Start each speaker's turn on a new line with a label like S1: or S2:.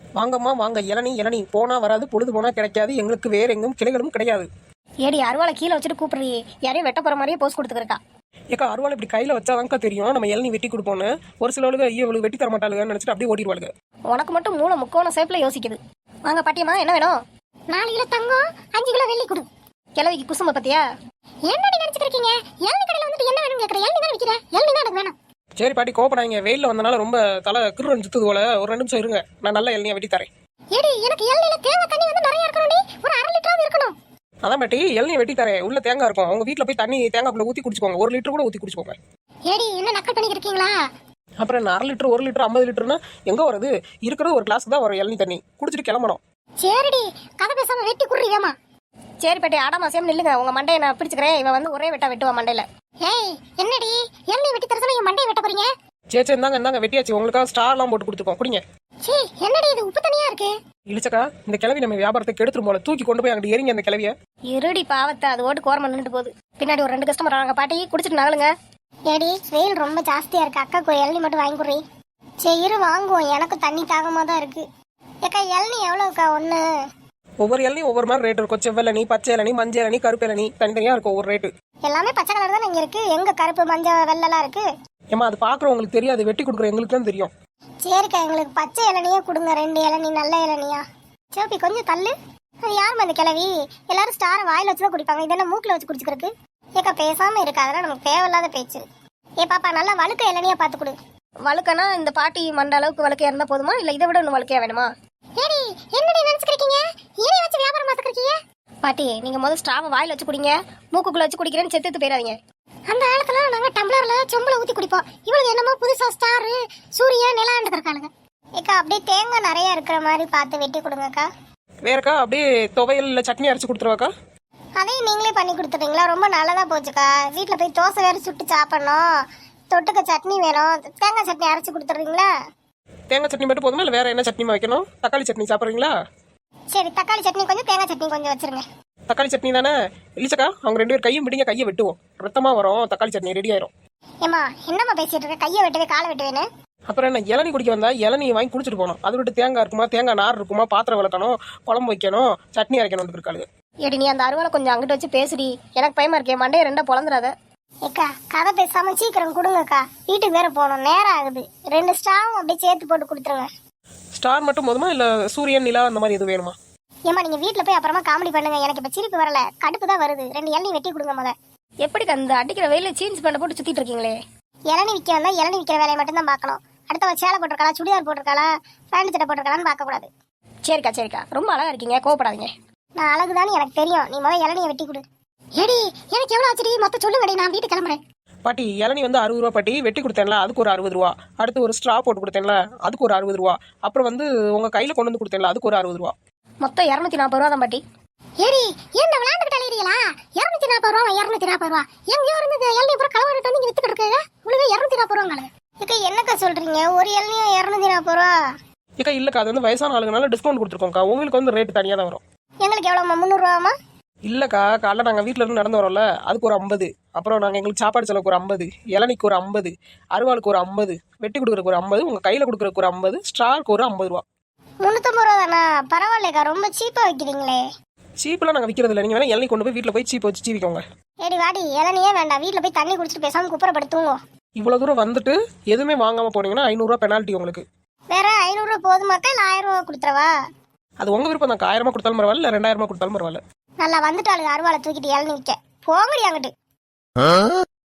S1: வாங்கம்மா வாங்க, இளநீ இளநீ போனா வராது, பொழுது போனா கிடைக்காது, எங்களுக்கு வேற எங்கும் கிளைகளும் கிடையாது.
S2: ஏடி அருவாளை கீழே வச்சுட்டு கூப்பிடுறீ, யாரையும் வெட்ட போற மாதிரியே போஸ்ட் கொடுத்துருக்கா.
S1: ஏக்கா அருவாள் இப்படி கையில வச்சாதான்க்கா தெரியும் நம்ம இளநீ வெட்டி கொடுப்போன்னு. ஒரு சிலவளுக்கு ஐயோ இவளுக்கு வெட்டி தர மாட்டாளுன்னு நினைச்சிட்டு அப்படியே ஓடிடுவாளுங்க.
S2: உனக்கு மட்டும் மூளை முக்கோண சேப்பில் யோசிக்குது. வாங்க பாட்டியம்மா, என்ன வேணும்? 4 கிலோ தங்கம், 5 கிலோ வெள்ளி கொடு. கிழவிக்கு குசும்ப பத்தியா? என்னடி நினைச்சிருக்கீங்க? இளநீ கடையில் வந்துட்டு என்ன வேணும் கேட்குற? இளநீ தான் விற்கிற, இளநீ தான் எனக்கு வேணும்.
S1: சரி பாட்டி கோபப்படாதீங்க, வெயிலில் வந்தனால ரொம்ப தலை கிருன்னு சுத்துது போல, ஒரு 2 நிமிஷம் இருங்க, நான் நல்ல இளநியை வெட்டி தரேன்.
S2: ஏடி எனக்கு இளநீல தேங்காய் தண்ணி வந்து நிறைய இருக்கணும், ஒரு 1/2 லிட்டராவது இருக்கணும்.
S1: அதான் பாட்டி இளநியை வெட்டி தரேன், உள்ள தேங்காய் இருக்கும், அவங்க வீட்டில் போய் தண்ணி தேங்காய் பூல ஊற்றி குடிச்சுக்கோங்க, 1 லிட்டர் கூட ஊற்றி குடிச்சுக்கோங்க.
S2: ஏடி என்ன நக்கல் பண்ணிக்கிட்டு இருக்கீங்களா?
S1: அப்புறம் என்ன 1/2 லிட்டர் 1 லிட்டர் 50 லிட்டர்னா எங்கே வருது? இருக்கிறது ஒரு கிளாஸ் தான் வரும் இளநீ தண்ணி, குடிச்சிட்டு கிளம்பணும்.
S2: சரிடி, கதை பேசாம வெட்டி குடுறீங்கம்மா. சரி பாட்டி, ஆடாமாசியம் நில்லுங்க, உங்க மண்டையை நான் பிடிச்சுக்கிறேன். இவன் வந்து ஒரே வெட்டா வெட்டுவா மண்டையில. ஏய் என்னடி இளநீ வெட்டி தர சொன்னா என் மண்டையை வெட்ட போறீங்க?
S1: சரி இந்தாங்க வெட்டியாச்சு, உங்களுக்காக ஸ்டார்லாம் போட்டு கொடுத்துருக்கோம், குடிங்க.
S2: சீ என்னடி இது உப்பு தனியா இருக்கு.
S1: இழிச்சக்கா இந்த கிளவி நம்ம வியாபாரத்தை கெடுத்துரும் போல, தூக்கி கொண்டு போய் அங்கிட்டு எரிங்க அந்த கிளவிய.
S2: இருடி பாவத்தை, அது ஓட்டு கோரமா நின்றுட்டு போகுது. பின்னாடி ஒரு 2 கஸ்டமர் வராங்க, பாட்டி குடிச்சிட்டு நகலுங்க. ஏடி வெயில் ரொம்ப ஜாஸ்தியா இருக்கு, அக்காக்கு ஒரு இளநீ மட்டும் வாங்கி கொடுறீ. சரி இரு வாங்குவோம், எனக்கு தண்ணி தாகமா தான் இருக்கு. ஏக்கா இளநீ எவ்வளவுக்கா ஒண்ணு?
S1: ஒவ்வொரு இளநீ ஒவ்வொரு மாதிரி ரேட் இருக்கும், செவ்வெளநீ, பச்சை இளநீ, மஞ்சள் இளநீ, கருப்பு இளநீ, தனித்தனியா இருக்கும் ஒவ்வொரு ரேட்டு.
S2: எல்லாமே பச்சை கலர் தான் இங்க இருக்கு, எங்க கருப்பு மஞ்சள் வெள்ளெல்லாம் இருக்கு?
S1: ஏமா அது பாக்குறவங்களுக்கு தெரியாது, வெட்டி கொடுக்குற எங்களுக்கு தான் தெரியும்.
S2: சரிக்கா எங்களுக்கு பச்சை இளநியே கொடுங்க, 2 இளநீ நல்ல இளநியா. சிவப்பி கொஞ்சம் தள்ளு. அது யாருமா அந்த கிளவி? எல்லாரும் ஸ்டாரை வாயில வச்சுதான் குடிப்பாங்க, இதெல்லாம் மூக்கில் வச்சு குடிச்சுக்கிறதுக்கு. ஏக்கா பேசாம இருக்கு, அதெல்லாம் நமக்கு தேவையில்லாத பேச்சு. ஏ பாப்பா நல்லா வழுக்க இளநியா பார்த்து கொடு. வழுக்கனா இந்த பாட்டி மண்ட அளவுக்கு வழுக்கையா இருந்தா போதுமா, இல்ல இதை விட இன்னும் வழுக்கையா வேணுமா? ஏடி என்னடி நினைச்சுக்கிறீங்க? ஏனே வச்சு வியாபாரம் பார்த்துக்கிறீங்க? பாட்டி நீங்க முதல்ல ஸ்டாவை வாயில வச்சு குடிங்க, மூக்குக்குள்ள வச்சு குடிக்கிறேன்னு செத்து போயிடாதீங்க. அந்த காலத்துல நாங்க டம்ளர்ல சொம்புல ஊத்தி குடிப்போம், இவளுக்கு என்னமோ புதுசா ஸ்டார் சூரிய நிலாண்டு இருக்காளுங்க. ஏக்கா அப்படியே தேங்காய் நிறைய இருக்கிற மாதிரி பார்த்து வெட்டி கொடுங்கக்கா.
S1: வேறக்கா அப்படியே துவையல் இல்ல சட்னி அரைச்சு கொடுத்துருவாக்கா.
S2: அதையும் நீங்களே பண்ணி கொடுத்துறீங்களா? ரொம்ப நல்லதா போச்சுக்கா. வீட்டுல போய் தோசை வேற சுட்டு சாப்பிடணும், தொட்டுக்க சட்னி வேணும், தேங்காய் சட்னி அரைச்சு கொடுத்துறீங்களா?
S1: தேங்காய் சட்னி மட்டும் போதுமா இல்ல வேற என்ன சட்னி வைக்கணும்? தக்காளி சட்னி சாப்பிட்றீங்களா?
S2: சரி தக்காளி சட்னி கொஞ்சம், தேங்காய் சட்னி கொஞ்சம் வச்சிருங்க.
S1: தக்காளி சட்னி தானே? இல்லச்சக்கா அவங்க 2 பேர் கையும் பிடிங்க, கையை வெட்டுவோம், ரத்தமா வரும், தக்காளி சட்னி ரெடி ஆயிரும்.
S2: ஏமா என்னம்மா பேசிட்டு இருக்க? கையை வெட்டுவே காலை வெட்டுவேன்னு.
S1: அப்புறம் என்ன, இளநீ குடிக்க வந்தா இளநீ வாங்கி குடிச்சிட்டு போனோம், அது விட்டு தேங்காய் இருக்குமா, தேங்காய் நார் இருக்குமா, பாத்திரம் விளக்கணும், குழம்பு வைக்கணும், சட்னி அரைக்கணும் இருக்காளுங்க.
S2: ஏடி நீ அந்த அருவாளை கொஞ்சம் அங்கிட்ட வச்சு பேசுடி, எனக்கு பயமா இருக்கேன், மண்டையை 2 பொழந்துடாத. ஏக்கா கதை பேசாம சீக்கிரம் கொடுங்கக்கா, வீட்டுக்கு வேற போகணும், நேரம் ஆகுது. 2 ஸ்டாவும் அப்படியே சேர்த்து போட்டு கொடுத்துருங்க.
S1: ஸ்டார் மட்டும் போதுமா இல்ல சூரியன் நிலா அந்த மாதிரி எதுவும் வேணுமா?
S2: ஏமா நீங்க வீட்டுல போய் அப்புறமா காமெடி பண்ணுங்க, எனக்கு இப்ப சிரிப்பு வரல, கடுப்பு தான் வருது. 2 இளநீ வெட்டி கொடுங்க முத. எப்படி அந்த அடிக்கிற வெயில ஜீன்ஸ் பேண்ட் போட்டு சுத்திட்டு இருக்கீங்களே? இளநீ விற்க வந்தா இளநீ விற்கிற வேலையை மட்டும் தான் பார்க்கணும். அடுத்த சேலை போட்டிருக்காளா, சுடிதார் போட்டிருக்காளா, பேண்ட் சட்டை போட்டிருக்காளான்னு பார்க்க கூடாது. சரிக்கா ரொம்ப அழகா இருக்கீங்க, கோவப்படாதீங்க. நான் அழகுதான்னு எனக்கு தெரியும், நீ முதல்ல இளநியை வெட்டி கொடு. ஏடி எனக்கு எவ்வளவு ஆச்சுடி மொத்தம் சொல்லுங்கடி, நான் வீட்டுக்கு கிளம்புறேன்.
S1: பாட்டி இளநீ வந்து 60 ரூபா பாட்டி, வெட்டி கொடுத்தேன்ல அதுக்கு ஒரு 60 ரூபா, அடுத்து ஒரு ஸ்ட்ரா போட்டு கொடுத்தேன்ல அதுக்கு ஒரு 60 ரூபா, அப்புறம் வந்து உங்க கையில கொண்டு வந்து கொடுத்தேன்ல அதுக்கு ஒரு 60 ரூபா,
S2: மொத்தம் 240 ரூபா தான் பாட்டி. ஏடி என்ன விளையாண்டுக்கிட்டு அலையறீங்களா? 240 ரூபா 240 ரூபா எங்கேயோ இருந்தது, இளநீ பூரா கலவரிட்டு வந்து இங்க வித்துக்கிட்டு இருக்காங்க, உங்களுக்கு 240 ரூபாங்களே. ஏக்கா என்னக்கா சொல்றீங்க? ஒரு இளநியா 240 ரூபா?
S1: ஏக்கா இல்லக்கா அது வந்து வயசான ஆளுங்கனால டிஸ்கவுண்ட் கொடுத்துருக்கோம்க்கா, உங்களுக்கு வந்து ரேட் தனியாக தான் வரும்.
S2: எங்களுக்கு எவ்வளோமா? 300 ரூபாமா?
S1: இல்லக்கா காலைல நாங்கள் வீட்டில் இருந்து நடந்து வரோம்ல அதுக்கு ஒரு 50, அப்புறம் நாங்கள் எங்களுக்கு சாப்பாடு செலவுக்கு ஒரு 50, இளநிக்கு ஒரு 50, அருவாளுக்கு ஒரு 50, வெட்டி கொடுக்குறக்கு ஒரு 50, உங்கள் கையில் கொடுக்குறக்கு ஒரு 50, ஸ்டாருக்கு ஒரு 50 ரூபா.
S2: 350 ரூபா தானா? பரவாயில்லைக்கா, ரொம்ப சீப்பா வைக்கிறீங்களே.
S1: சீப்பெல்லாம் நாங்கள் விற்கிறது இல்லை, நீங்கள் வேணா இளநீ கொண்டு போய் வீட்டில் போய் சீப்பை வச்சு சீவிக்கோங்க.
S2: ஏடி வாடி, இளநியே வேண்டாம், வீட்டில் போய் தண்ணி குடிச்சிட்டு பேசாமல் குப்புறப்படுத்துவோங்க.
S1: இவ்வளோ தூரம் வந்துட்டு எதுவுமே வாங்காமல் போனீங்கன்னா 500 ரூபா பெனால்ட்டி உங்களுக்கு.
S2: வேற 500 ரூபா போதுமாக்கா இல்லை 1000 ரூபா கொடுத்துறவா?
S1: அது உங்கள் விருப்பம் தான், 1000 கொடுத்தாலும் பரவாயில்ல இல்லை 2000 கொடுத்தாலும் பரவாயில்ல.
S2: நல்லா வந்துட்டாளுங்க அருவாளை தூக்கிட்டு இளநீ விற்க. போங்கடி அங்கிட்டு.